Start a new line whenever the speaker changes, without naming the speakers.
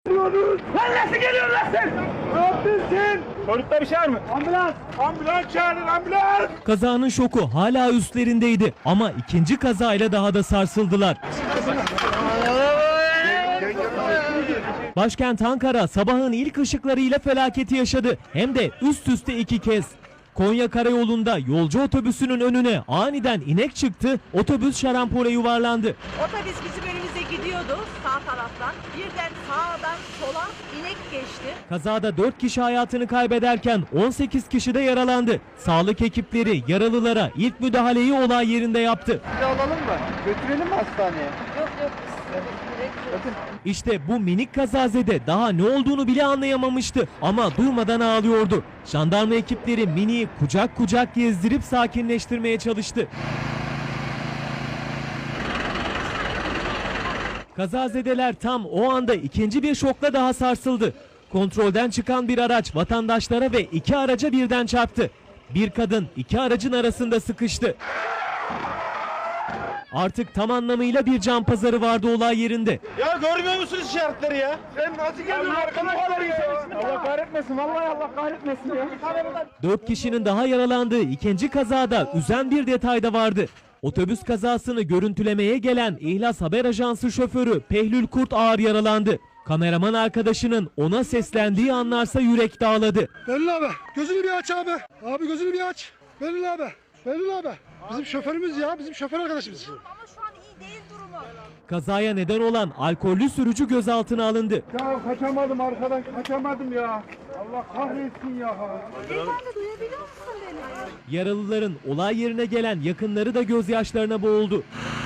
Lan nasıl geliyorsun lan sen? Ne yaptın sen? Çocukta bir şey var mı? Ambulans! Ambulans çağırın ambulans!
Kazanın şoku hala üstlerindeydi ama ikinci kazayla daha da sarsıldılar. Başkent Ankara sabahın ilk ışıklarıyla felaketi yaşadı. Hem de üst üste 2 kez. Konya Karayolu'nda yolcu otobüsünün önüne aniden inek çıktı, otobüs şarampole yuvarlandı.
Otobüs bizim önümüze gidiyordu sağ taraftan. Birden sağdan sola inek geçti.
Kazada 4 kişi hayatını kaybederken 18 kişi de yaralandı. Sağlık ekipleri yaralılara ilk müdahaleyi olay yerinde yaptı.
Alalım mı? Götürelim mi hastaneye?
Yok.
İşte bu minik kazazede daha ne olduğunu bile anlayamamıştı ama durmadan ağlıyordu. Jandarma ekipleri miniyi kucak kucak gezdirip sakinleştirmeye çalıştı. Kazazedeler tam o anda ikinci bir şokla daha sarsıldı. Kontrolden çıkan bir araç vatandaşlara ve 2 araca birden çarptı. Bir kadın 2 aracın arasında sıkıştı. Artık tam anlamıyla bir can pazarı vardı olay yerinde.
Ya görmüyor musunuz işaretleri ya? Sen nasıl geldin arkadaşlar ya? Allah kahretmesin vallahi Allah kahretmesin ya.
4 kişinin daha yaralandığı ikinci kazada üzen bir detay da vardı. Otobüs kazasını görüntülemeye gelen İhlas Haber Ajansı şoförü Pehlül Kurt ağır yaralandı. Kameraman arkadaşının ona seslendiği anlarsa yürek dağladı.
Belli abi gözünü bir aç abi. Abi gözünü bir aç. Belli abi. Belli abi. Bizim şoförümüz ya. Bizim şoför arkadaşımız.
Ama şu an iyi değil durumu.
Kazaya neden olan alkollü sürücü gözaltına alındı.
Ya kaçamadım arkadan kaçamadım ya. Allah kahretsin ya.
Beyefendi duyabiliyor musun beni?
Yaralıların olay yerine gelen yakınları da gözyaşlarına boğuldu.